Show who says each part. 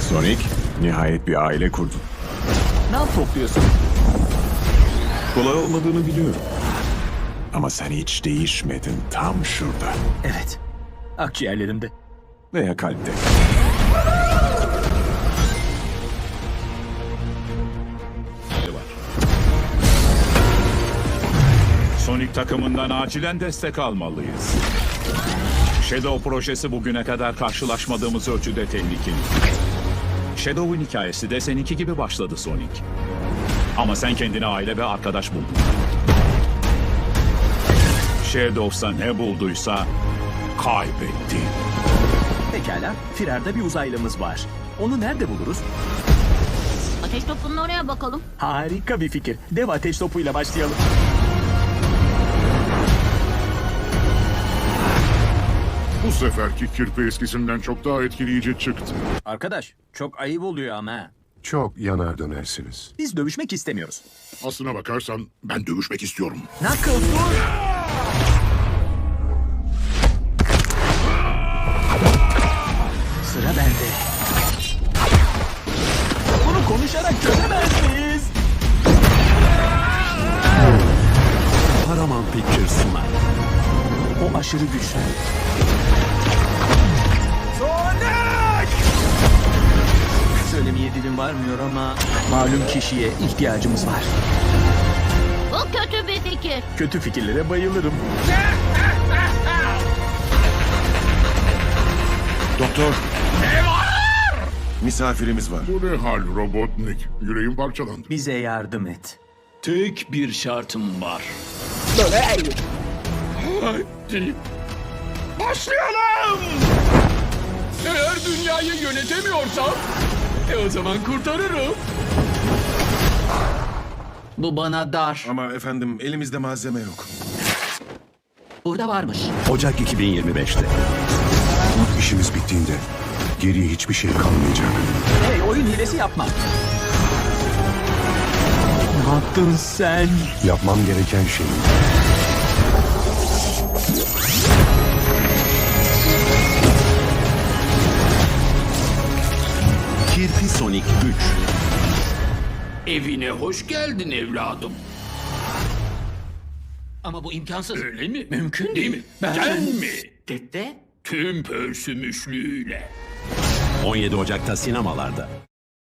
Speaker 1: Sonic, nihayet bir aile kurdun.
Speaker 2: Ne topluyorsun?
Speaker 1: Kolay olmadığını biliyorum. Ama sen hiç değişmedin, tam şurada.
Speaker 2: Evet. Akciğerlerimde.
Speaker 1: Veya kalpte.
Speaker 3: var. Sonic takımından acilen destek almalıyız. Shadow projesi bugüne kadar karşılaşmadığımız ölçüde tehlikeli. Shadow'un hikayesi de seninki gibi başladı Sonic. Ama sen kendine aile ve arkadaş buldun. Shadow'sa ne bulduysa kaybetti.
Speaker 2: Pekala. Firarda bir uzaylımız var. Onu nerede buluruz?
Speaker 4: Ateş topunun oraya bakalım.
Speaker 2: Harika bir fikir. Dev ateş topuyla başlayalım.
Speaker 5: Bu seferki kirpi eskisinden çok daha etkileyici çıktı.
Speaker 2: Arkadaş, çok ayıp oluyor ama. Ha.
Speaker 6: Çok yanar dönersiniz.
Speaker 2: Biz dövüşmek istemiyoruz.
Speaker 5: Aslına bakarsan ben dövüşmek istiyorum.
Speaker 2: Knuckles dur! Sıra bende. Bunu konuşarak çözemez miyiz?
Speaker 1: Paramount Pictures sunar.
Speaker 2: O aşırı güçlü. Sonic! Söylemeye dilim varmıyor ama malum kişiye ihtiyacımız var.
Speaker 4: Bu kötü bir fikir.
Speaker 2: Kötü fikirlere bayılırım.
Speaker 6: Doktor. Misafirimiz var.
Speaker 5: Bu ne hal Robotnik? Yüreğim parçalandı.
Speaker 2: Bize yardım et.
Speaker 7: Tek bir şartım var. Hadi. Başlayalım! Eğer dünyayı yönetemiyorsam, o zaman kurtarırım. Bu bana dar.
Speaker 6: Ama efendim elimizde malzeme yok.
Speaker 7: Burada varmış.
Speaker 1: Ocak 2025'te.
Speaker 6: İşimiz bittiğinde geriye hiçbir şey kalmayacak.
Speaker 2: Hey, oyun hilesi yapma. Ne yaptın sen?
Speaker 6: Yapmam gereken şey
Speaker 1: Kirpi Sonic 3.
Speaker 7: Evine hoş geldin evladım. Ama bu imkansız. Öyle mi? Mümkün değil mi? Ben mi? Dede? Tüm pörsümüşlüğüyle.
Speaker 1: 17 Ocak'ta sinemalarda.